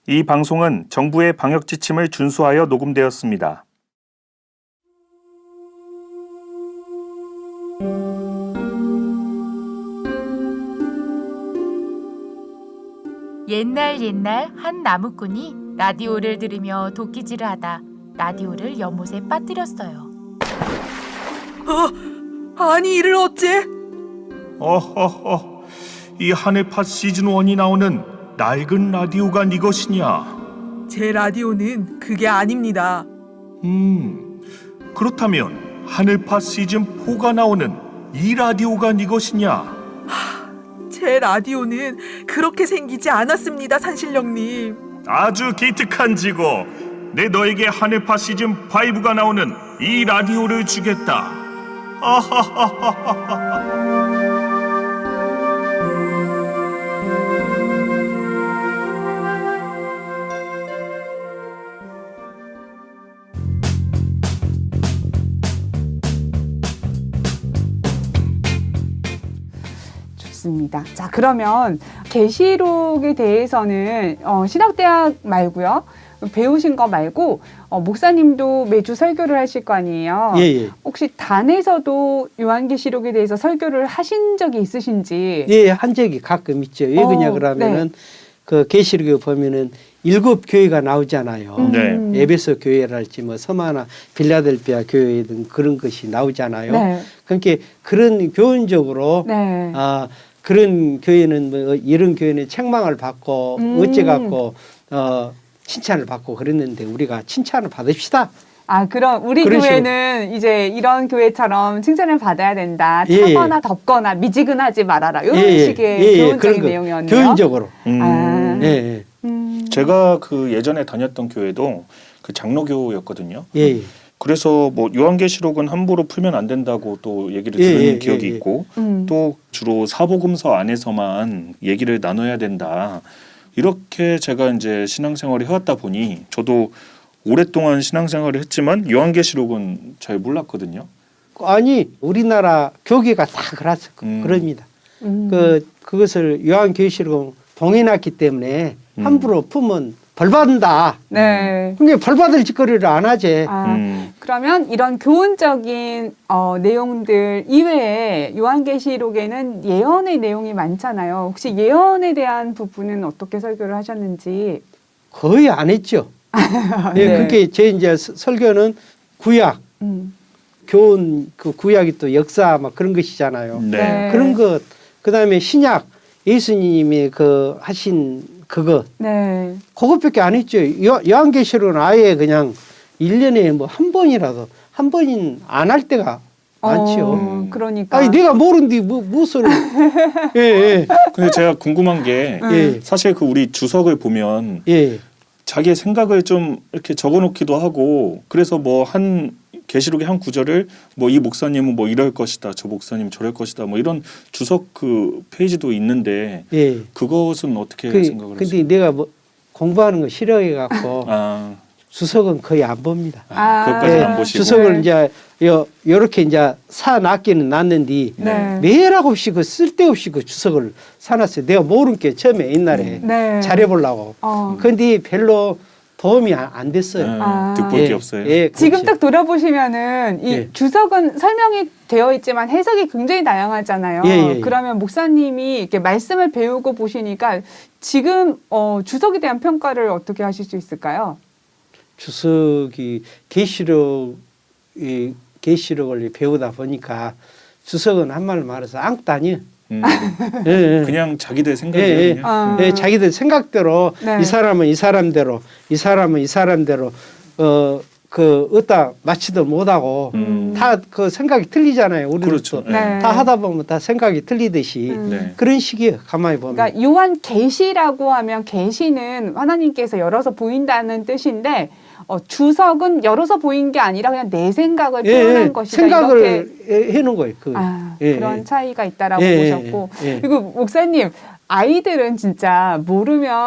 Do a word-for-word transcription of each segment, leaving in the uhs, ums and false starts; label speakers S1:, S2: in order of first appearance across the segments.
S1: 이 방송은 정부의 방역 지침을 준수하여 녹음되었습니다.
S2: 옛날 옛날 한 나무꾼이 라디오를 들으며 도끼질을 하다 라디오를 연못에 빠뜨렸어요.
S3: 어? 아니 이를 어째?
S1: 어허허, 이 하늘팟 시즌일이 나오는 낡은 라디오가 네 것이냐?
S3: 제 라디오는 그게 아닙니다.
S1: 음, 그렇다면 하늘팟 시즌사가 나오는 이 라디오가 네 것이냐?
S3: 제 라디오는 그렇게 생기지 않았습니다, 산신령님.
S1: 아주 기특한 지고, 내 너에게 하늘팟 시즌오가 나오는 이 라디오를 주겠다. 아하하하하하.
S4: 좋습니다. 자, 그러면 계시록에 대해서는 어, 신학대학 말고요. 배우신 거 말고 어, 목사님도 매주 설교를 하실 거 아니에요.
S5: 예, 예.
S4: 혹시 단에서도 요한계시록에 대해서 설교를 하신 적이 있으신지?
S5: 예, 한 적이 가끔 있죠. 왜
S4: 어,
S5: 그러냐 그러면은
S4: 네.
S5: 그 계시록에 보면은 일곱 교회가 나오잖아요.
S4: 음.
S1: 네.
S5: 에베소 교회랄지 뭐 서마나 빌라델피아 교회 등 그런 것이 나오잖아요.
S4: 네.
S5: 그러니까 그런 교훈적으로
S4: 네.
S5: 아 그런 교회는 뭐 이런 교회는 책망을 받고
S4: 음.
S5: 어째 갖고 어 칭찬을 받고 그랬는데 우리가 칭찬을 받읍시다.
S4: 아, 그럼 우리
S5: 그런
S4: 교회는 이제 이런 교회처럼 칭찬을 받아야 된다.
S5: 예, 예.
S4: 차거나 덥거나 미지근하지 말아라. 이런
S5: 예, 예.
S4: 식의
S5: 예, 예.
S4: 교훈적인
S5: 그런 거,
S4: 내용이었네요.
S5: 교훈적으로.
S1: 음,
S4: 아.
S5: 예, 예.
S4: 음.
S1: 제가 그 예전에 다녔던 교회도 그 장로교였거든요.
S5: 예, 예.
S1: 그래서 뭐 요한계시록은 함부로 풀면 안 된다고 또 얘기를
S5: 예,
S1: 들은
S5: 예,
S1: 기억이
S5: 예, 예.
S1: 있고
S4: 음.
S1: 또 주로 사복음서 안에서만 얘기를 나눠야 된다. 이렇게 제가 이제 신앙생활을 해왔다 보니 저도 오랫동안 신앙생활을 했지만 요한계시록은 잘 몰랐거든요.
S5: 아니 우리나라 교계가 다 그렇,
S1: 음.
S5: 그럽니다.
S4: 음.
S5: 그 그것을 요한계시록은 봉해놨기 때문에
S1: 음.
S5: 함부로 품은 벌 받는다.
S4: 네.
S5: 그러니까 벌 받을 짓거리를 안 하지.
S4: 아,
S1: 음.
S4: 그러면 이런 교훈적인 어, 내용들 이외에 요한계시록에는 예언의 내용이 많잖아요. 혹시 예언에 대한 부분은 어떻게 설교를 하셨는지?
S5: 거의 안 했죠. 예,
S4: 네.
S5: 그게 제 이제 서- 설교는 구약,
S4: 음.
S5: 교훈 그 구약이 또 역사 막 그런 것이잖아요.
S1: 네.
S4: 네.
S5: 그런 것, 그다음에 신약 예수님이 그 하신 그거
S4: 네.
S5: 그것밖에 안 했죠. 요, 요한계시록은 아예 그냥 일 년에 뭐 한 번이라도 한 번인 안 할 때가 많죠.
S4: 어, 그러니까.
S5: 아니 내가 모르는데 뭐 무엇을 예, 예.
S1: 근데 제가 궁금한 게
S5: 예.
S1: 사실 그 우리 주석을 보면
S5: 예.
S1: 자기의 생각을 좀 이렇게 적어놓기도 하고 그래서 뭐 한 계시록의 한 구절을 뭐 이 목사님은 뭐 이럴 것이다, 저 목사님 저럴 것이다, 뭐 이런 주석 그 페이지도 있는데
S5: 예.
S1: 그것은 어떻게
S5: 그,
S1: 생각을
S5: 근데
S1: 하세요?
S5: 내가 뭐 공부하는 거 싫어해 갖고
S1: 아,
S5: 주석은 거의 안 봅니다.
S1: 아,
S4: 아.
S1: 그것까지는
S5: 예,
S1: 안 보시고.
S5: 주석을
S4: 네.
S5: 이제 요 요렇게 이제 사 놨기는 놨는데
S4: 네.
S5: 매일 없이 그 쓸데없이 그 주석을 사놨어요. 내가 모르는 게 처음에 옛날에
S4: 네.
S5: 잘해보려고.
S4: 어.
S5: 근데 별로 도움이 안, 안 됐어요.
S1: 네,
S4: 아.
S1: 득볼
S5: 예,
S1: 게 없어요.
S5: 예,
S4: 지금
S5: 그렇지.
S4: 딱 돌아보시면은 이
S5: 예.
S4: 주석은 설명이 되어 있지만 해석이 굉장히 다양하잖아요.
S5: 예, 예, 예.
S4: 그러면 목사님이 이렇게 말씀을 배우고 보시니까 지금 어, 주석에 대한 평가를 어떻게 하실 수 있을까요?
S5: 주석이 계시록 이 계시록을 배우다 보니까 주석은 한말로 말해서 앙도 아니에요.
S1: 음,
S5: 예, 예.
S1: 그냥 자기들
S5: 예,
S1: 생각이에요.
S5: 예.
S1: 그냥.
S4: 아.
S5: 예, 자기들 생각대로
S4: 네.
S5: 이 사람은 이 사람대로 이 사람은 이 사람대로 어 그 어디다 맞지도 못하고
S1: 음.
S5: 다 그 생각이 틀리잖아요. 우리도
S1: 그렇죠.
S5: 또
S4: 네.
S5: 다 하다 보면 다 생각이 틀리듯이
S4: 음.
S1: 네.
S5: 그런 식이에요. 가만히 보면.
S4: 그러니까 요한 계시라고 하면 계시는 하나님께서 열어서 보인다는 뜻인데 어, 주석은 열어서 보인 게 아니라 그냥 내 생각을
S5: 예,
S4: 표현한
S5: 예,
S4: 것이다. 이렇게
S5: 생각을 해- 해놓은 거예요. 그.
S4: 아,
S5: 예,
S4: 그런
S5: 예.
S4: 차이가 있다라고
S5: 예,
S4: 보셨고
S5: 예, 예.
S4: 그리고 목사님 아이들은 진짜 모르면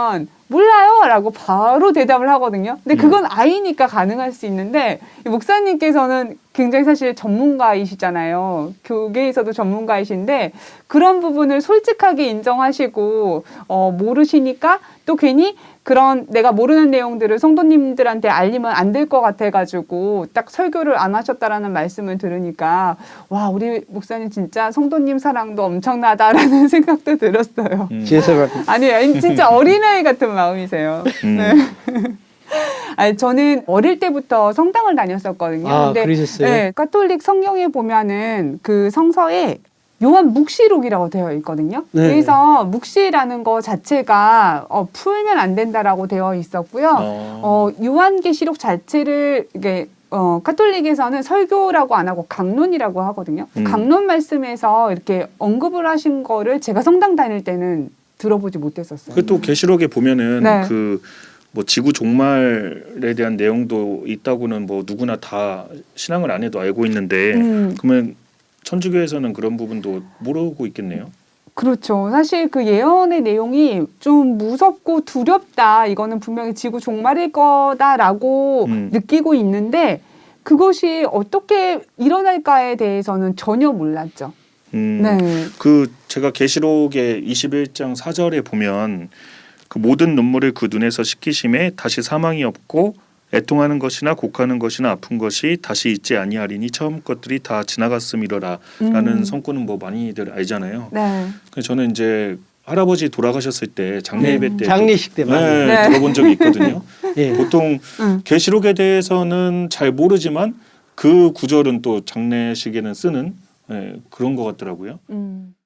S4: 몰라요라고 바로 대답을 하거든요. 근데 그건 아이니까 가능할 수 있는데 이 목사님께서는 굉장히 사실 전문가이시잖아요. 교계에서도 전문가이신데 그런 부분을 솔직하게 인정하시고 어, 모르시니까 또 괜히 그런 내가 모르는 내용들을 성도님들한테 알리면 안 될 것 같아가지고 딱 설교를 안 하셨다라는 말씀을 들으니까 와 우리 목사님 진짜 성도님 사랑도 엄청나다라는 생각도 들었어요.
S1: 음.
S5: 죄송합니다.
S4: 아니에요. 진짜 어린아이 같은 마음이세요.
S1: 음.
S4: 네. 아니, 저는 어릴 때부터 성당을 다녔었거든요.
S5: 아,
S4: 근데
S5: 그러셨어요?
S4: 네, 가톨릭 성경에 보면은 그 성서에 요한 묵시록이라고 되어 있거든요.
S5: 네.
S4: 그래서 묵시라는 거 자체가 어, 풀면 안 된다라고 되어 있었고요.
S1: 어.
S4: 어, 요한계시록 자체를 이게 어, 카톨릭에서는 설교라고 안 하고 강론이라고 하거든요.
S1: 음.
S4: 강론 말씀에서 이렇게 언급을 하신 거를 제가 성당 다닐 때는 들어보지 못했었어요.
S1: 그 또 계시록에 보면은
S4: 네.
S1: 그 뭐 지구 종말에 대한 내용도 있다고는 뭐 누구나 다 신앙을 안 해도 알고 있는데
S4: 음,
S1: 그러면 천주교에서는 그런 부분도 모르고 있겠네요.
S4: 그렇죠. 사실 그 예언의 내용이 좀 무섭고 두렵다. 이거는 분명히 지구 종말일 거다라고
S1: 음.
S4: 느끼고 있는데 그것이 어떻게 일어날까에 대해서는 전혀 몰랐죠.
S1: 음,
S4: 네.
S1: 그 제가 계시록의 이십일 장 사 절에 보면 그 모든 눈물을 그 눈에서 씻기심에 다시 사망이 없고 애통하는 것이나 곡하는 것이나 아픈 것이 다시 있지 아니하리니 처음 것들이 다 지나갔음이로라 라는
S4: 음.
S1: 성구는 뭐 많이들 알잖아요.
S4: 네.
S1: 그래서 저는 이제 할아버지 돌아가셨을 때 장례 예배
S4: 네.
S1: 때
S5: 장례식 때 많이.
S1: 네,
S4: 네.
S1: 들어본 적이 있거든요.
S5: 예.
S1: 보통
S4: 음.
S1: 계시록에 대해서는 잘 모르지만 그 구절은 또 장례식에는 쓰는 예, 그런 것 같더라고요.
S4: 음.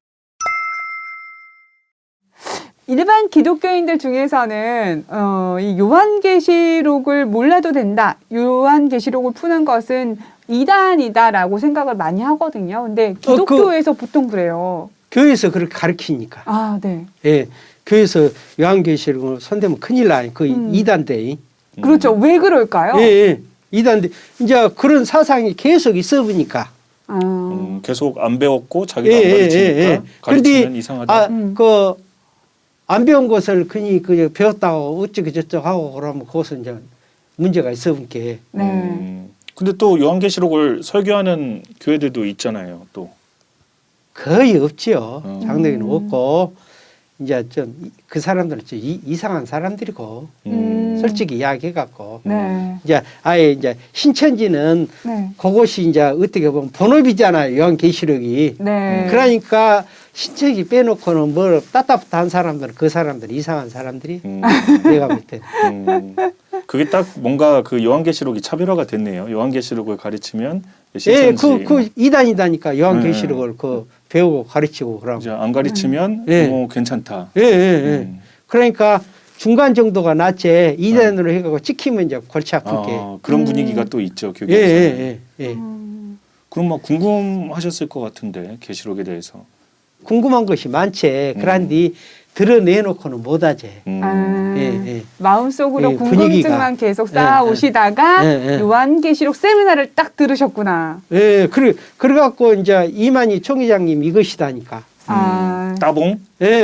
S4: 일반 기독교인들 중에서는 어, 이 요한계시록을 몰라도 된다. 요한계시록을 푸는 것은 이단이다라고 생각을 많이 하거든요. 근데 기독교에서 보통 그래요.
S5: 교회에서 그렇게 가르치니까.
S4: 아, 네.
S5: 예. 교회에서 요한계시록을 손대면 큰일 나니. 그
S4: 음.
S5: 이단대.
S1: 음.
S4: 그렇죠. 왜 그럴까요?
S5: 예, 예. 이단대. 이제 그런 사상이 계속 있어 보니까.
S4: 아,
S1: 음, 계속 안 배웠고 자기가
S5: 예,
S1: 안
S5: 예,
S1: 가르치니까
S5: 예, 예.
S1: 가르치면
S5: 그런데
S1: 이상하다.
S5: 아,
S4: 음.
S5: 그 안 배운 것을 그니 그 배웠다고 어쩌고 저쩌고 하고 그러면 그것은 이제 문제가 있어 보니까.
S4: 네.
S1: 음, 근데 또 요한계시록을 설교하는 교회들도 있잖아요. 또
S5: 거의 없지요.
S1: 음.
S5: 장로교는 없고 이제 좀 그 사람들은 좀 이, 이상한 사람들이고
S4: 음.
S5: 솔직히 이야기해 갖고
S4: 네.
S5: 이제 아예 이제 신천지는
S4: 네.
S5: 그것이 이제 어떻게 보면 본업이잖아요. 요한계시록이.
S4: 네.
S5: 그러니까 신천지 빼놓고는 뭘 따따붙한 사람들은 그 사람들 이상한 사람들이
S1: 음,
S5: 내가 볼 때.
S1: 음, 그게 딱 뭔가 그 요한계시록이 차별화가 됐네요. 요한계시록을 가르치면
S5: 예,
S1: 신천지
S5: 그, 그 이단이다니까 요한계시록을 그 배우고 가르치고 그러고.
S1: 이제 안 가르치면
S5: 예.
S1: 뭐 괜찮다.
S5: 예, 예, 예.
S1: 음.
S5: 그러니까 중간 정도가 낫지 이단으로 해갖고 찍히면 이제 골치 아프게.
S1: 아, 그런
S4: 음.
S1: 분위기가 또 있죠
S5: 예,
S1: 교계에서는.
S5: 예, 예, 예.
S4: 음.
S1: 그럼 막 궁금하셨을 것 같은데 계시록에 대해서.
S5: 궁금한 것이 많지.
S1: 음.
S5: 그런데 드러내놓고는 못하지.
S1: 음.
S4: 아,
S5: 예, 예.
S4: 마음속으로
S5: 예,
S4: 궁금증만
S5: 분위기가.
S4: 계속
S5: 예,
S4: 쌓아오시다가
S5: 예, 예.
S4: 요한계시록 세미나를 딱 들으셨구나.
S5: 예, 그래, 그래갖고 이제 이만희 총회장님 이것이다니까.
S4: 아,
S1: 따봉?
S5: 예.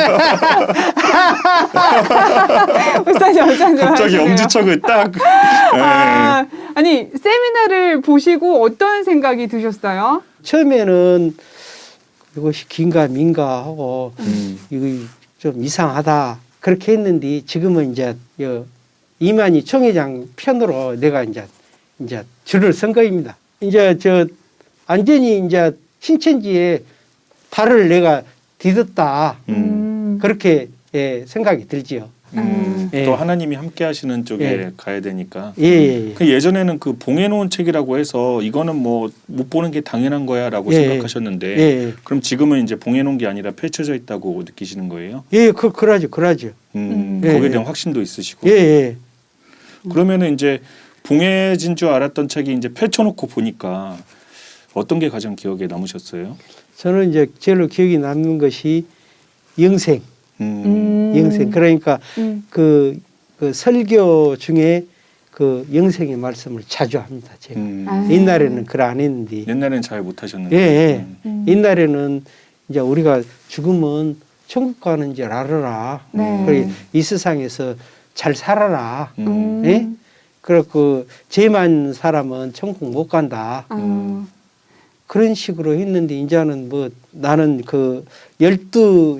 S4: 목사님 어쩐지
S1: 갑자기
S4: 하시네요.
S1: 엄지척을 딱. 예.
S4: 아, 아니 세미나를 보시고 어떤 생각이 드셨어요?
S5: 처음에는 이것이 긴가 민가 하고
S1: 음.
S5: 이거 좀 이상하다 그렇게 했는데 지금은 이제 여 이만희 총회장 편으로 내가 이제 이제 줄을 선 거입니다. 이제 저 완전히 이제 신천지에 발을 내가 디뎠다
S1: 음.
S4: 음.
S5: 그렇게 예, 생각이 들지요.
S1: 음.
S5: 예.
S1: 또 하나님이 함께 하시는 쪽에
S5: 예.
S1: 가야 되니까.
S5: 예, 예, 예.
S1: 그 예전에는 그 봉해놓은 책이라고 해서 이거는 뭐 못 보는 게 당연한 거야라고
S5: 예,
S1: 생각하셨는데
S5: 예, 예.
S1: 그럼 지금은 이제 봉해놓은 게 아니라 펼쳐져 있다고 느끼시는 거예요?
S5: 예, 그 그러죠, 그러죠.
S1: 음,
S4: 음.
S1: 거기에
S5: 예,
S1: 대한
S5: 예.
S1: 확신도 있으시고.
S5: 예, 예.
S1: 그러면은 이제 봉해진 줄 알았던 책이 이제 펼쳐놓고 보니까 어떤 게 가장 기억에 남으셨어요?
S5: 저는 이제 제일 기억이 남는 것이 영생,
S1: 음.
S5: 영생. 그러니까
S4: 음.
S5: 그, 그 설교 중에 그 영생의 말씀을 자주 합니다. 제가
S1: 음.
S4: 아.
S5: 옛날에는 그걸 안 했는데,
S1: 옛날엔 잘 못하셨는데.
S5: 예, 예.
S1: 음.
S4: 음.
S5: 옛날에는 이제 우리가 죽으면 천국 가는 줄 알아라.
S4: 네.
S5: 그래, 이 세상에서 잘 살아라.
S1: 음.
S5: 예? 그렇고 죄만 사람은 천국 못 간다.
S4: 아,
S5: 그런 식으로 했는데 이제는 뭐 나는 그 열두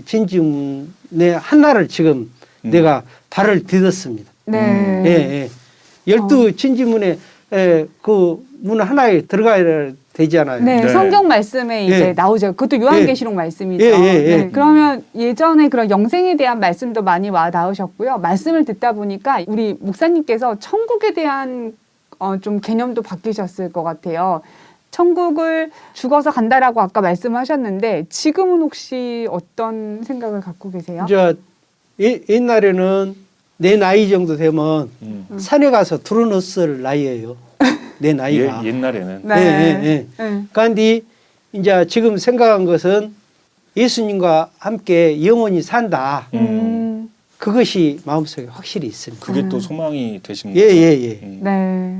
S5: 진지문의 하나를 지금
S1: 음.
S5: 내가 발을 디뎠습니다.
S4: 네.
S5: 예, 예. 열두 진지문에 에, 그 문 하나에 들어가야 되잖아요.
S4: 네,
S1: 네.
S4: 성경 말씀에 이제
S5: 예.
S4: 나오죠. 그것도 요한계시록 말씀이죠.
S5: 예, 예, 예.
S4: 네, 그러면 예전에 그런 영생에 대한 말씀도 많이 와 닿으셨고요. 말씀을 듣다 보니까 우리 목사님께서 천국에 대한 어, 좀 개념도 바뀌셨을 것 같아요. 천국을 죽어서 간다라고 아까 말씀하셨는데 지금은 혹시 어떤 생각을 갖고 계세요?
S5: 이제 예- 옛날에는 내 나이 정도 되면
S1: 음.
S5: 산에 가서 두루누쓸 나이예요. 내 나이가.
S1: 예, 옛날에는
S4: 네.
S5: 예, 예, 예.
S4: 네.
S5: 그런데 이제 지금 생각한 것은 예수님과 함께 영원히 산다.
S4: 음,
S5: 그것이 마음속에 확실히 있습니다.
S1: 그게 또 소망이 되신
S5: 예,
S1: 거죠.
S5: 예, 예.
S1: 음.
S4: 네.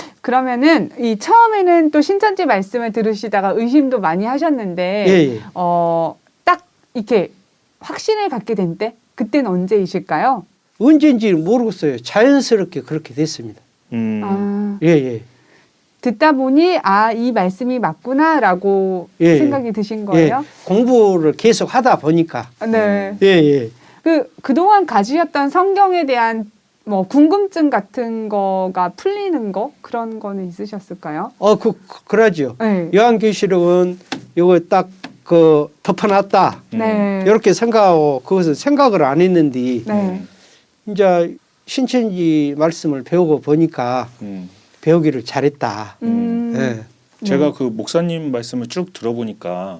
S4: 그러면은 이 처음에는 또 신천지 말씀을 들으시다가 의심도 많이 하셨는데
S5: 예, 예.
S4: 어, 딱 이렇게 확신을 갖게 된 때? 그때는 언제이실까요?
S5: 언제인지 모르겠어요. 자연스럽게 그렇게 됐습니다.
S1: 음.
S4: 아,
S5: 예, 예.
S4: 듣다 보니 아, 이 말씀이 맞구나라고
S5: 예,
S4: 생각이 드신 거예요?
S5: 예. 공부를 계속 하다 보니까.
S4: 네.
S5: 예, 예.
S4: 그 그동안 가지셨던 성경에 대한 뭐 궁금증 같은 거가 풀리는 거 그런 거는 있으셨을까요?
S5: 어, 그, 그 그러죠.
S4: 네.
S5: 요한계시록은 요거 딱 그 덮어놨다.
S4: 네.
S5: 이렇게 생각하고 그것을 생각을 안 했는데
S4: 네.
S5: 이제 신천지 말씀을 배우고 보니까
S1: 음.
S5: 배우기를 잘했다.
S4: 음.
S5: 예.
S1: 제가 그 목사님 말씀을 쭉 들어보니까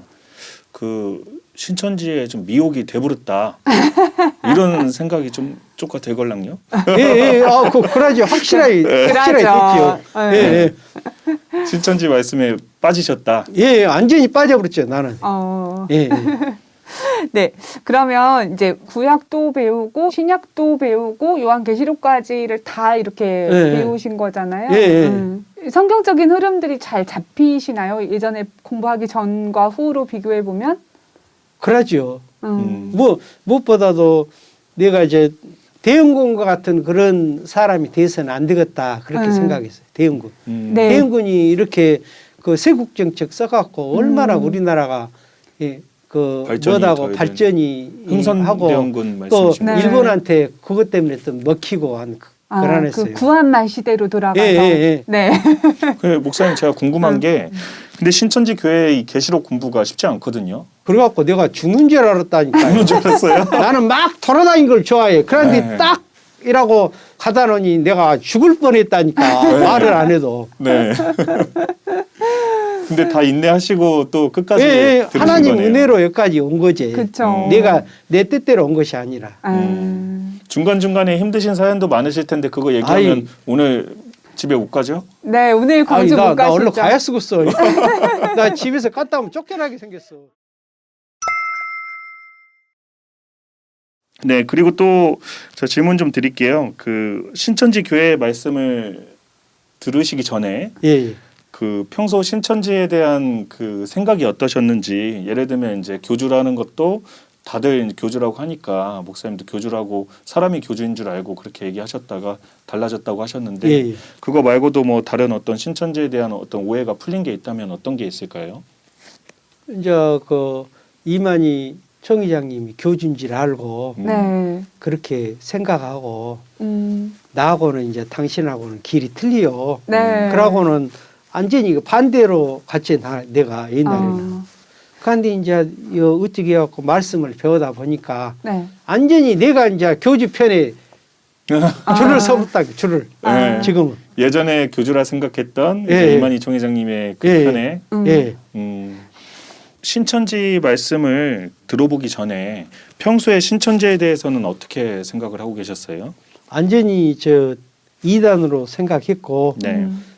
S1: 그 신천지에 좀 미혹이 돼버렸다 이런 생각이 좀 쪼까 되걸랑요.
S5: 예, 예, 아, 그, 그러죠. 확실하게, 확실하게
S4: 그러죠.
S5: 됐죠.
S4: 네.
S5: 예,
S1: 신천지 말씀에 빠지셨다.
S5: 예, 예, 완전히 빠져버렸죠, 나는.
S4: 어.
S5: 예, 예.
S4: 네. 그러면 이제 구약도 배우고 신약도 배우고 요한계시록까지를 다 이렇게
S5: 예,
S4: 배우신 거잖아요.
S5: 예, 예.
S4: 음. 성경적인 흐름들이 잘 잡히시나요? 예전에 공부하기 전과 후로 비교해 보면?
S5: 그러죠.
S4: 음.
S5: 뭐, 무엇보다도 내가 이제 대응군과 같은 그런 사람이 돼서는 안 되겠다. 그렇게
S4: 음.
S5: 생각했어요. 대응군.
S1: 음.
S4: 네.
S5: 대응군이 이렇게 그 세국정책 써갖고 얼마나
S4: 음.
S5: 우리나라가 예, 그
S1: 발전이
S5: 뭐다고
S1: 더 이제
S5: 발전이 하고
S1: 흥선대원군
S5: 또
S1: 말씀이신
S4: 네.
S1: 거죠.
S5: 일본한테 그것 때문에 또 먹히고 한 그-
S4: 아,
S5: 그러했어요.
S4: 그 구한말 시대로 돌아가서.
S5: 예, 예, 예.
S4: 네.
S1: 그 목사님 제가 궁금한
S4: 음.
S1: 게 근데 신천지 교회의 계시록 공부가 쉽지 않거든요.
S5: 그래갖고 내가 죽는 줄 알았다니까요.
S1: 그런 줄 알았어요.
S5: 나는 막 돌아다닌 걸 좋아해. 그런데
S1: 네.
S5: 딱 이라고 가다 놓니 내가 죽을 뻔했다니까.
S1: 네.
S5: 말을 안 해도.
S1: 네. 근데 다 인내하시고 또 끝까지
S5: 예, 예.
S1: 들으신
S5: 하나님
S1: 거네요.
S5: 은혜로 여기까지 온 거지.
S4: 그쵸.
S5: 내가 내 뜻대로 온 것이 아니라.
S4: 음.
S1: 중간 중간에 힘드신 사연도 많으실 텐데 그거 얘기하면
S5: 아이.
S1: 오늘 집에 못 가죠?
S4: 네, 오늘
S5: 아니,
S4: 광주
S5: 나,
S4: 못
S5: 나 얼른
S4: 가시죠?
S5: 가야 쓰겠어. 나 집에서 갔다 오면 쫓겨나게 생겼어.
S1: 네, 그리고 또 저 질문 좀 드릴게요. 그 신천지 교회 말씀을 들으시기 전에
S5: 예, 예.
S1: 그 평소 신천지에 대한 그 생각이 어떠셨는지 예를 들면 이제 교주라는 것도 다들 교주라고 하니까 목사님도 교주라고 사람이 교주인 줄 알고 그렇게 얘기하셨다가 달라졌다고 하셨는데
S5: 예, 예.
S1: 그거 말고도 뭐 다른 어떤 신천지에 대한 어떤 오해가 풀린 게 있다면 어떤 게 있을까요?
S5: 이제 그 이만희 총회장님이 교주인 줄 알고
S1: 음.
S4: 네.
S5: 그렇게 생각하고
S4: 음.
S5: 나하고는 이제 당신하고는 길이 틀려.
S4: 네.
S5: 그러고는 완전히 그 반대로 같이 나, 내가 옛날에는.
S4: 어.
S5: 그런데 이제 요 어떻게 해갖고 말씀을 배우다 보니까
S4: 네.
S5: 완전히 내가 이제 교주 편에 줄을 서붙다 줄을
S1: 네.
S5: 지금은.
S1: 예전에 교주라 생각했던
S5: 예,
S1: 이제
S5: 예.
S1: 이만희 총회장님의 그
S5: 예, 예.
S1: 편에
S4: 음.
S5: 예.
S1: 음, 신천지 말씀을 들어보기 전에 평소에 신천지에 대해서는 어떻게 생각을 하고 계셨어요?
S5: 완전히 저 이단으로 생각했고
S1: 네.
S4: 음.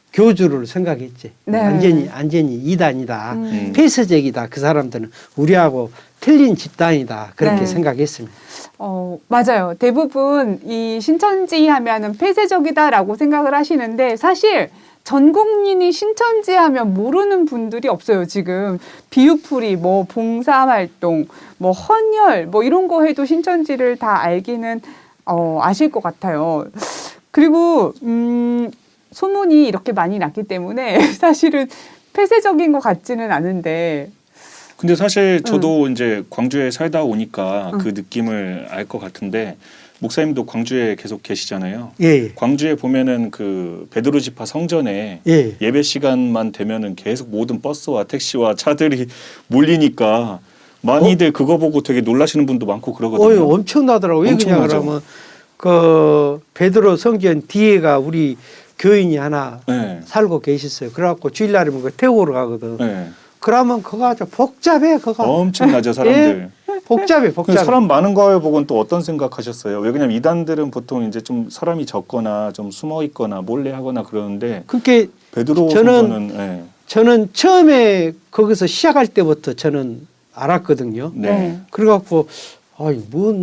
S5: 교주를 생각했지.
S4: 네.
S5: 완전히 완전히 이단이다.
S4: 음.
S5: 폐쇄적이다. 그 사람들은 우리하고 틀린 집단이다. 그렇게
S4: 네.
S5: 생각했습니다.
S4: 어, 맞아요. 대부분 이 신천지 하면은 폐쇄적이다라고 생각을 하시는데 사실 전 국민이 신천지 하면 모르는 분들이 없어요, 지금. 비유풀이, 뭐, 봉사활동, 뭐, 헌혈, 뭐, 이런 거 해도 신천지를 다 알기는, 어, 아실 것 같아요. 그리고, 음, 소문이 이렇게 많이 났기 때문에 사실은 폐쇄적인 것 같지는 않은데.
S1: 근데 사실 저도 이제 광주에 살다 오니까
S4: 응.
S1: 그 느낌을 알 것 같은데 목사님도 광주에 계속 계시잖아요.
S5: 예,
S1: 광주에 보면은 그 베드로 지파 성전에
S5: 예.
S1: 예배 시간만 되면은 계속 모든 버스와 택시와 차들이 몰리니까 많이들 그거 보고 되게 놀라시는 분도 많고 그러거든요.
S5: 어이, 엄청나더라고. 왜 그냥
S1: 엄청나죠.
S5: 그러면 그 베드로 성전 뒤에가 우리 교인이 하나
S1: 네.
S5: 살고 계셨어요. 그래갖고 주일날이면 그 태우러 가거든.
S1: 네.
S5: 그러면 그거 아주 복잡해. 그거
S1: 엄청나죠 사람들.
S5: 복잡해,
S1: 근데
S5: 복잡해.
S1: 사람 많은 거에 보고는 또 어떤 생각하셨어요? 왜 그냐면 이단들은 보통 이제 좀 사람이 적거나 좀 숨어 있거나 몰래 하거나 그러는데
S5: 그게
S1: 베드로
S5: 저는
S1: 성전은 네.
S5: 저는 처음에 거기서 시작할 때부터 저는 알았거든요.
S1: 네.
S5: 그래갖고 아이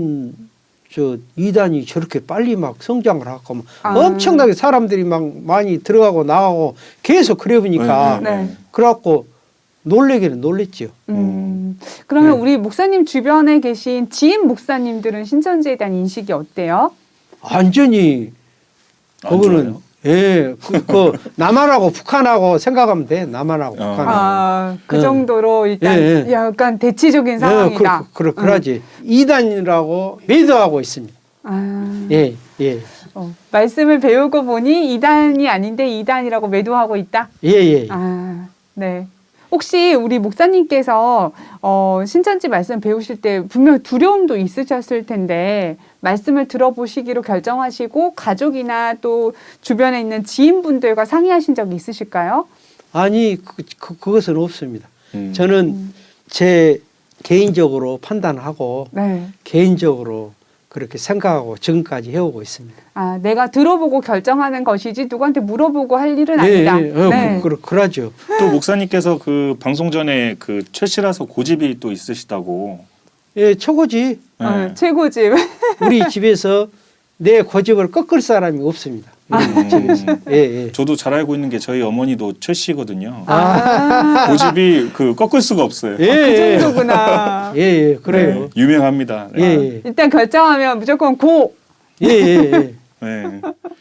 S5: 뭔저 이단이 저렇게 빨리 막 성장을 하고 막
S4: 아.
S5: 엄청나게 사람들이 막 많이 들어가고 나가고 계속 그래 보니까
S1: 네, 네,
S4: 네.
S5: 그래갖고 놀래기는 놀랬죠.
S4: 음, 그러면
S5: 네.
S4: 우리 목사님 주변에 계신 지인 목사님들은 신천지에 대한 인식이 어때요?
S5: 완전히
S1: 안
S5: 그거는
S1: 좋아요?
S5: 예, 그, 그 남한하고 북한하고 생각하면 돼. 남한하고
S1: 어.
S5: 북한하고.
S4: 아, 그
S5: 네.
S4: 정도로 일단
S5: 예, 예.
S4: 약간 대치적인
S5: 예,
S4: 상황이다.
S5: 그, 그, 그, 그러지. 이단이라고 매도하고 있습니다.
S4: 아,
S5: 예, 예,
S4: 어, 말씀을 배우고 보니 이단이 아닌데 이단이라고 매도하고 있다.
S5: 예, 예.
S4: 아, 네. 혹시 우리 목사님께서 어, 신천지 말씀 배우실 때 분명 두려움도 있으셨을 텐데 말씀을 들어보시기로 결정하시고 가족이나 또 주변에 있는 지인분들과 상의하신 적이 있으실까요?
S5: 아니, 그, 그, 그것은 없습니다.
S1: 음.
S5: 저는 제 개인적으로 판단하고
S4: 네.
S5: 개인적으로 그렇게 생각하고 지금까지 해오고 있습니다.
S4: 아, 내가 들어보고 결정하는 것이지 누구한테 물어보고 할 일은
S5: 예,
S4: 아니다.
S5: 예, 어,
S4: 네.
S5: 그, 그, 그러죠.
S1: 또 목사님께서 그 방송 전에 그 최씨라서 고집이 또 있으시다고.
S5: 예, 최고지.
S1: 네.
S4: 어, 최고집.
S5: 우리 집에서 내 고집을 꺾을 사람이 없습니다. 우리 집에서.
S1: 음.
S5: 예, 예.
S1: 저도 잘 알고 있는 게 저희 어머니도 최씨거든요.
S4: 아,
S1: 고집이 그 꺾을 수가 없어요.
S5: 예,
S4: 그
S5: 예.
S4: 정도구나.
S5: 예, 예, 그래요.
S1: 네, 유명합니다.
S5: 예,
S1: 네.
S5: 예,
S4: 일단 결정하면 무조건 고.
S5: 예, 예, 예.
S1: 네.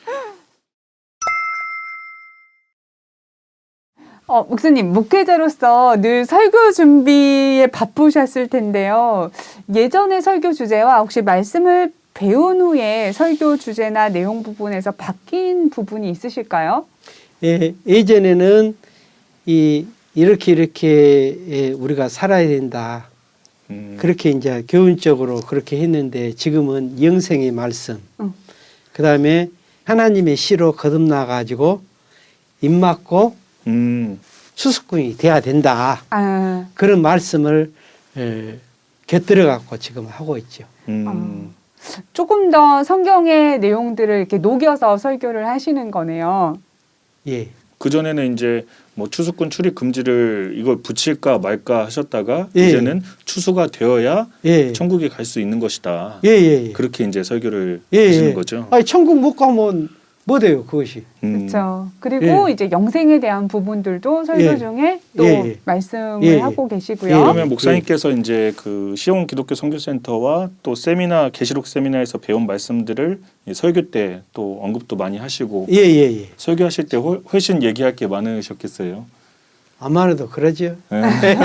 S4: 어, 목사님, 목회자로서 늘 설교 준비에 바쁘셨을 텐데요. 예전의 설교 주제와 혹시 말씀을 배운 후에 설교 주제나 내용 부분에서 바뀐 부분이 있으실까요?
S5: 예, 예전에는 이 이렇게 이렇게 예, 우리가 살아야 된다.
S1: 음.
S5: 그렇게 이제 교훈적으로 그렇게 했는데 지금은 영생의 말씀.
S4: 응.
S5: 그다음에 하나님의 시로 거듭나 가지고 입 맞고
S1: 음.
S5: 수습꾼이 돼야 된다.
S4: 아,
S5: 그런 말씀을 에, 곁들여 갖고 지금 하고 있죠.
S1: 음.
S4: 조금 더 성경의 내용들을 이렇게 녹여서 설교를 하시는 거네요.
S5: 예.
S1: 그 전에는 이제 뭐 추수꾼 출입 금지를 이걸 붙일까 말까 하셨다가
S5: 예.
S1: 이제는 추수가 되어야
S5: 예.
S1: 천국에 갈 수 있는 것이다.
S5: 예, 예, 예.
S1: 그렇게 이제 설교를
S5: 예,
S1: 하시는
S5: 예.
S1: 거죠.
S5: 아니 천국 못 가면 뭐 돼요, 그것이.
S1: 음.
S4: 그렇죠. 그리고
S5: 예.
S4: 이제 영생에 대한 부분들도 설교
S5: 예.
S4: 중에 또
S5: 예, 예.
S4: 말씀을
S5: 예, 예.
S4: 하고 계시고요.
S5: 예.
S1: 그러면 목사님께서 이제 그 시온 기독교 선교센터와 또 세미나 계시록 세미나에서 배운 말씀들을 이 설교 때 또 언급도 많이 하시고
S5: 예, 예, 예.
S1: 설교하실 때 훨- 훨씬 얘기할 게 많으셨겠어요.
S5: 아마도 그러죠.
S1: 네.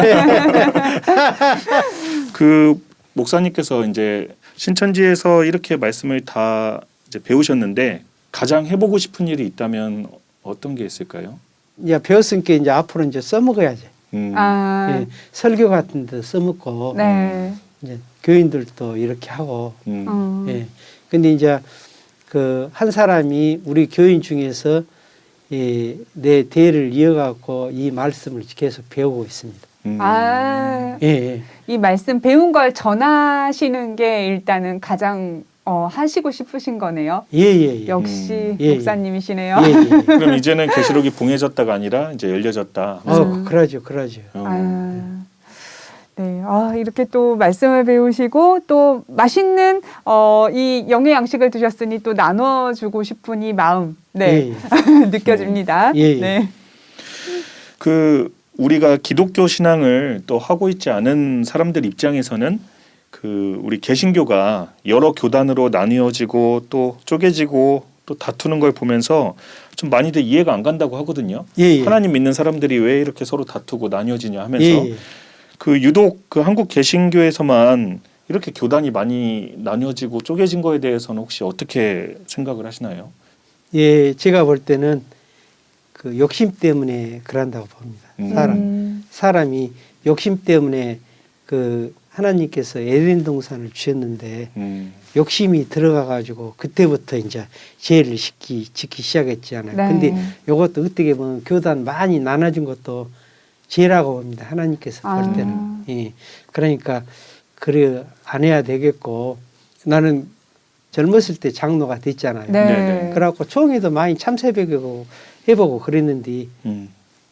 S1: 그 목사님께서 이제 신천지에서 이렇게 말씀을 다 이제 배우셨는데 가장 해보고 싶은 일이 있다면 어떤 게 있을까요?
S5: 이제 배웠으니까 이제 앞으로 이제 써먹어야지.
S1: 음.
S4: 아,
S5: 예. 설교 같은 데 써먹고
S4: 네.
S5: 이제 교인들도 이렇게 하고.
S1: 음.
S4: 음.
S5: 예. 근데 이제 그 한 사람이 우리 교인 중에서 이 내 대를 이어갖고 이 말씀을 계속 배우고 있습니다.
S1: 음.
S4: 아,
S5: 예, 예.
S4: 이 말씀 배운 걸 전하시는 게 일단은 가장 어, 하시고 싶으신 거네요.
S5: 예, 예, 예.
S4: 역시
S1: 음.
S5: 예, 예.
S4: 목사님이시네요.
S5: 예, 예.
S1: 그럼 이제는 계시록이 봉해졌다가 아니라 이제 열려졌다.
S5: 어,
S4: 음.
S5: 그러죠, 그러죠.
S1: 어.
S4: 아, 네. 아, 이렇게 또 말씀을 배우시고 또 맛있는 어, 이 영의 양식을 드셨으니 또 나눠주고 싶은 이 마음, 네,
S5: 예, 예.
S4: 느껴집니다.
S5: 예, 예.
S4: 네.
S1: 그 우리가 기독교 신앙을 또 하고 있지 않은 사람들 입장에서는 그 우리 개신교가 여러 교단으로 나뉘어지고 또 쪼개지고 또 다투는 걸 보면서 좀 많이들 이해가 안 간다고 하거든요.
S5: 예, 예.
S1: 하나님 믿는 사람들이 왜 이렇게 서로 다투고 나뉘어지냐 하면서
S5: 예, 예.
S1: 그 유독 그 한국 개신교에서만 이렇게 교단이 많이 나뉘어지고 쪼개진 거에 대해서는 혹시 어떻게 생각을 하시나요?
S5: 예, 제가 볼 때는 그 욕심 때문에 그런다고 봅니다.
S1: 음.
S5: 사람
S4: 음,
S5: 사람이 욕심 때문에 그 하나님께서 에덴 동산을 주셨는데
S1: 음.
S5: 욕심이 들어가 가지고 그때부터 이제 죄를 짓기 짓기 시작했잖아요.
S4: 네.
S5: 근데 이것도 어떻게 보면 교단 많이 나눠진 것도 죄라고 봅니다. 하나님께서
S4: 아.
S5: 볼 때는. 예. 그러니까 그래 안 해야 되겠고 나는 젊었을 때 장로가 됐잖아요.
S4: 네.
S1: 네네.
S5: 그래갖고 총회도 많이 참석해보고 해보고 그랬는데
S1: 음.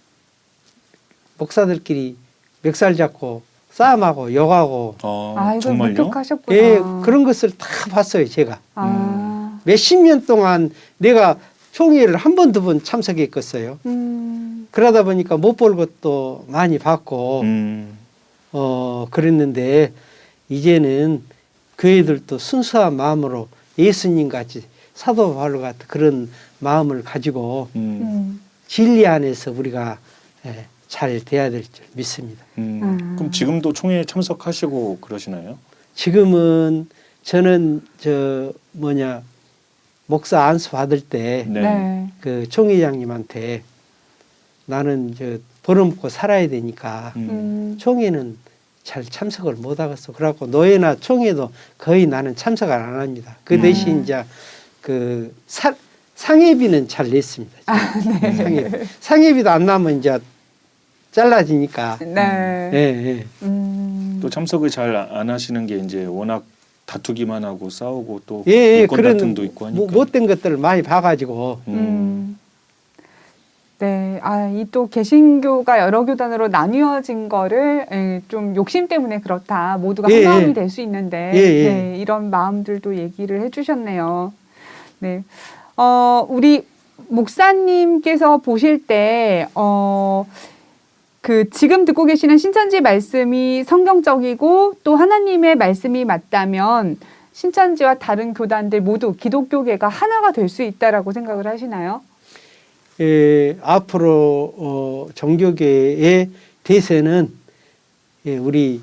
S5: 목사들끼리 멱살 잡고 싸움하고 욕하고
S1: 어,
S4: 아, 이걸
S1: 정말요?
S4: 목격하셨구나.
S5: 예, 그런 것을 다 봤어요. 제가
S4: 아,
S5: 몇십 년 동안 내가 총회를 한 번 두 번 참석했겠어요.
S4: 음,
S5: 그러다 보니까 못 볼 것도 많이 봤고
S1: 음.
S5: 어 그랬는데 이제는 교회들도 순수한 마음으로 예수님 같이 사도 바울 같은 그런 마음을 가지고
S1: 음.
S4: 음.
S5: 진리 안에서 우리가 예, 잘 돼야 될 줄 믿습니다.
S1: 음.
S4: 음.
S1: 그럼 지금도 총회에 참석하시고 그러시나요?
S5: 지금은 저는 저 뭐냐 목사 안수 받을 때
S1: 네.
S4: 네.
S5: 그 총회장님한테 나는 저 벌어먹고 살아야 되니까
S1: 음.
S4: 음.
S5: 총회는 잘 참석을 못 하겠어. 그래갖고 노예나 총회도 거의 나는 참석을 안 합니다. 그 대신
S4: 음.
S5: 이제 그 사, 상회비는 잘 냈습니다.
S4: 아, 네.
S5: 상회비. 상회비도 안 나면 이제 잘라지니까.
S4: 네.
S5: 예, 예.
S4: 음.
S1: 또 참석을 잘 안 하시는 게 이제 워낙 다투기만 하고 싸우고 또
S5: 예, 예.
S1: 인권
S5: 그런
S1: 다툼도 있고 하니까.
S5: 뭐, 못된 것들을 많이 봐가지고
S1: 음.
S4: 음. 네, 아, 이 또 개신교가 여러 교단으로 나뉘어진 거를 에, 좀 욕심 때문에 그렇다. 모두가
S5: 예,
S4: 한 마음이
S5: 예.
S4: 될 수 있는데,
S5: 예, 예.
S4: 네, 이런 마음들도 얘기를 해주셨네요. 네, 어, 우리 목사님께서 보실 때, 어, 그 지금 듣고 계시는 신천지 말씀이 성경적이고 또 하나님의 말씀이 맞다면 신천지와 다른 교단들 모두 기독교계가 하나가 될 수 있다라고 생각을 하시나요?
S5: 예, 앞으로 어, 종교계의 대세는 예, 우리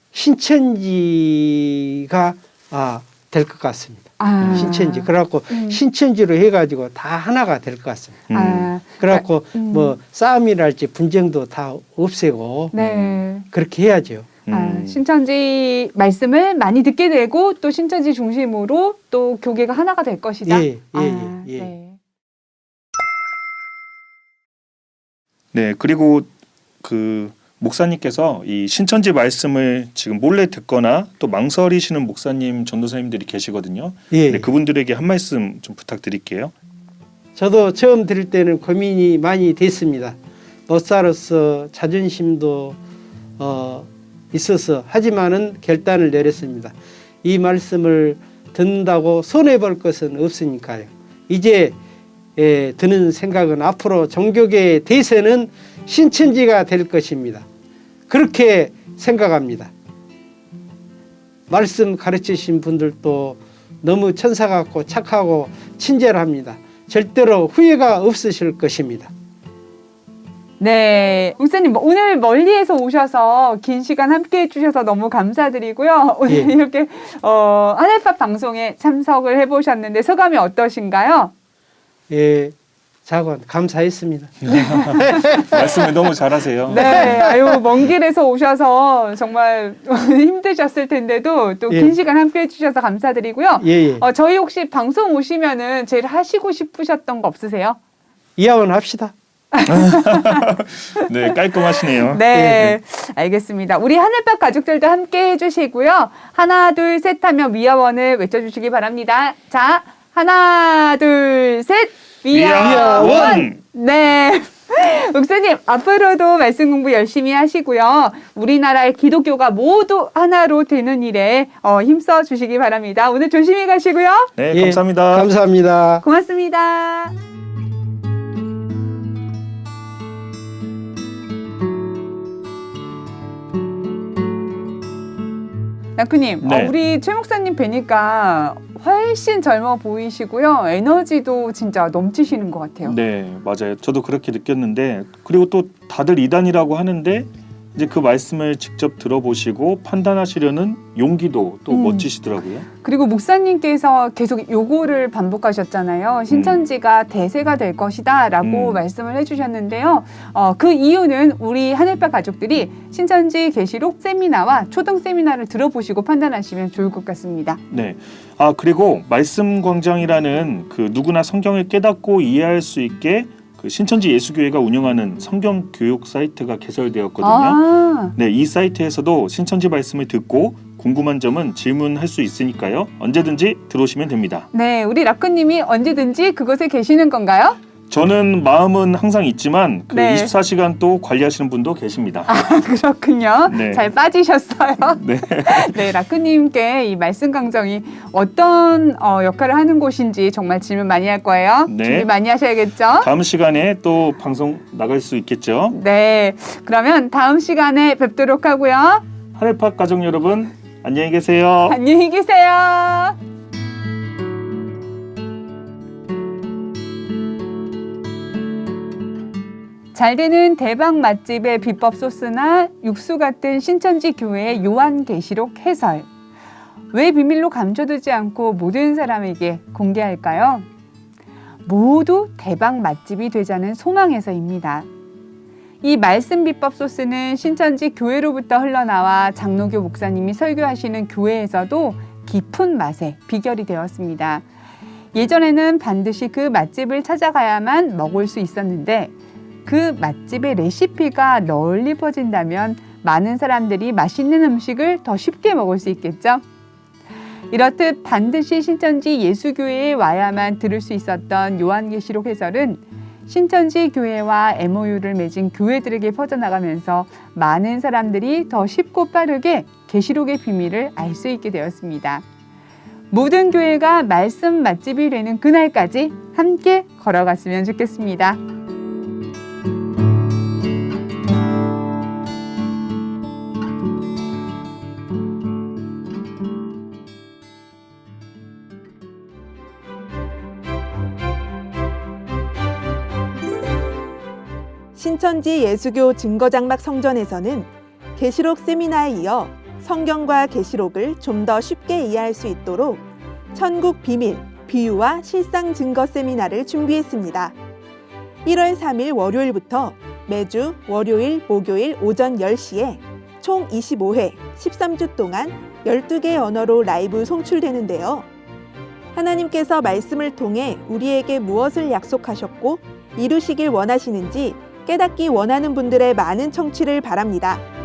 S5: 신천지가 아, 될 것 같습니다.
S4: 아.
S5: 신천지. 그래갖고
S4: 음.
S5: 신천지로 해가지고 다 하나가 될 것 같습니다.
S1: 음.
S4: 아,
S5: 그래갖고
S4: 음.
S5: 뭐 싸움이랄지 분쟁도 다 없애고
S4: 네.
S5: 그렇게 해야죠.
S1: 음.
S4: 아, 신천지 말씀을 많이 듣게 되고 또 신천지 중심으로 또 교계가 하나가 될 것이다.
S5: 예, 예,
S4: 아,
S5: 예, 예.
S4: 네.
S1: 네, 그리고 그 목사님께서 이 신천지 말씀을 지금 몰래 듣거나 또 망설이시는 목사님, 전도사님들이 계시거든요.
S5: 예.
S1: 네, 그분들에게 한 말씀 좀 부탁드릴게요.
S5: 저도 처음 들을 때는 고민이 많이 됐습니다. 목사로서 자존심도 어, 있어서 하지만은 결단을 내렸습니다. 이 말씀을 듣는다고 손해볼 것은 없으니까요. 이제 예, 드는 생각은 앞으로 종교계의 대세는 신천지가 될 것입니다. 그렇게 생각합니다. 말씀 가르치신 분들도 너무 천사 같고 착하고 친절합니다. 절대로 후회가 없으실 것입니다.
S4: 네, 목사님 오늘 멀리에서 오셔서 긴 시간 함께 해주셔서 너무 감사드리고요. 오늘
S5: 예.
S4: 이렇게 어, 하늘팝 방송에 참석을 해보셨는데 소감이 어떠신가요?
S5: 예, 자관 감사했습니다.
S1: 말씀을 너무 잘하세요.
S4: 네, 아유 먼 길에서 오셔서 정말 힘드셨을 텐데도 또 긴
S5: 예.
S4: 시간 함께 해주셔서 감사드리고요.
S5: 예, 예.
S4: 어, 저희 혹시 방송 오시면은 제일 하시고 싶으셨던 거 없으세요?
S5: 이하원 합시다.
S1: 네, 깔끔하시네요.
S4: 네, 알겠습니다. 우리 하늘밭 가족들도 함께 해주시고요. 하나, 둘, 셋 하면 위아원을 외쳐주시기 바랍니다. 자, 하나, 둘, 셋.
S1: 위아원.
S4: 네. 목사님, 앞으로도 말씀 공부 열심히 하시고요. 우리나라의 기독교가 모두 하나로 되는 일에 어, 힘써 주시기 바랍니다. 오늘 조심히 가시고요.
S1: 네,
S5: 예,
S1: 감사합니다.
S5: 감사합니다.
S4: 고맙습니다. 나쿠님,
S1: 네.
S4: 어, 우리 최 목사님 뵈니까 훨씬 젊어 보이시고요. 에너지도 진짜 넘치시는 것 같아요.
S1: 네, 맞아요. 저도 그렇게 느꼈는데, 그리고 또 다들 이단이라고 하는데 이제 그 말씀을 직접 들어보시고 판단하시려는 용기도 또
S4: 음.
S1: 멋지시더라고요.
S4: 그리고 목사님께서 계속 요거를 반복하셨잖아요. 신천지가 대세가 될 것이다 라고
S1: 음.
S4: 말씀을 해주셨는데요. 어, 그 이유는 우리 하늘밭 가족들이 신천지 계시록 세미나와 초등 세미나를 들어보시고 판단하시면 좋을 것 같습니다.
S1: 네. 아, 그리고 말씀 광장이라는 그 누구나 성경을 깨닫고 이해할 수 있게 그 신천지 예수교회가 운영하는 성경 교육 사이트가 개설되었거든요.
S4: 아,
S1: 네, 이 사이트에서도 신천지 말씀을 듣고 궁금한 점은 질문할 수 있으니까요. 언제든지 들어오시면 됩니다.
S4: 네, 우리 라크님이 언제든지 그곳에 계시는 건가요?
S1: 저는 마음은 항상 있지만 그
S4: 네.
S1: 이십사 시간 또 관리하시는 분도 계십니다.
S4: 아, 그렇군요.
S1: 네.
S4: 잘 빠지셨어요.
S1: 네.
S4: 네, 라크님께 이 말씀 강정이 어떤 어, 역할을 하는 곳인지 정말 질문 많이 할 거예요.
S1: 네.
S4: 준비 많이 하셔야겠죠?
S1: 다음 시간에 또 방송 나갈 수 있겠죠.
S4: 네, 그러면 다음 시간에 뵙도록 하고요.
S1: 하늘팟 가족 여러분 안녕히 계세요.
S4: 안녕히 계세요. 잘 되는 대박 맛집의 비법 소스나 육수 같은 신천지 교회의 요한계시록 해설. 왜 비밀로 감춰두지 않고 모든 사람에게 공개할까요? 모두 대박 맛집이 되자는 소망에서입니다. 이 말씀 비법 소스는 신천지 교회로부터 흘러나와 장로교 목사님이 설교하시는 교회에서도 깊은 맛의 비결이 되었습니다. 예전에는 반드시 그 맛집을 찾아가야만 먹을 수 있었는데 그 맛집의 레시피가 널리 퍼진다면 많은 사람들이 맛있는 음식을 더 쉽게 먹을 수 있겠죠? 이렇듯 반드시 신천지 예수교회에 와야만 들을 수 있었던 요한계시록 해설은 신천지 교회와 엠오유를 맺은 교회들에게 퍼져나가면서 많은 사람들이 더 쉽고 빠르게 계시록의 비밀을 알 수 있게 되었습니다. 모든 교회가 말씀 맛집이 되는 그날까지 함께 걸어갔으면 좋겠습니다.
S6: 신천지 예수교 증거장막 성전에서는 계시록 세미나에 이어 성경과 계시록을 좀 더 쉽게 이해할 수 있도록 천국 비밀, 비유와 실상 증거 세미나를 준비했습니다. 일월 삼일 월요일부터 매주 월요일, 목요일 오전 열 시에 총 이십오 회, 십삼 주 동안 열두 개의 언어로 라이브 송출되는데요. 하나님께서 말씀을 통해 우리에게 무엇을 약속하셨고 이루시길 원하시는지 깨닫기 원하는 분들의 많은 청취를 바랍니다.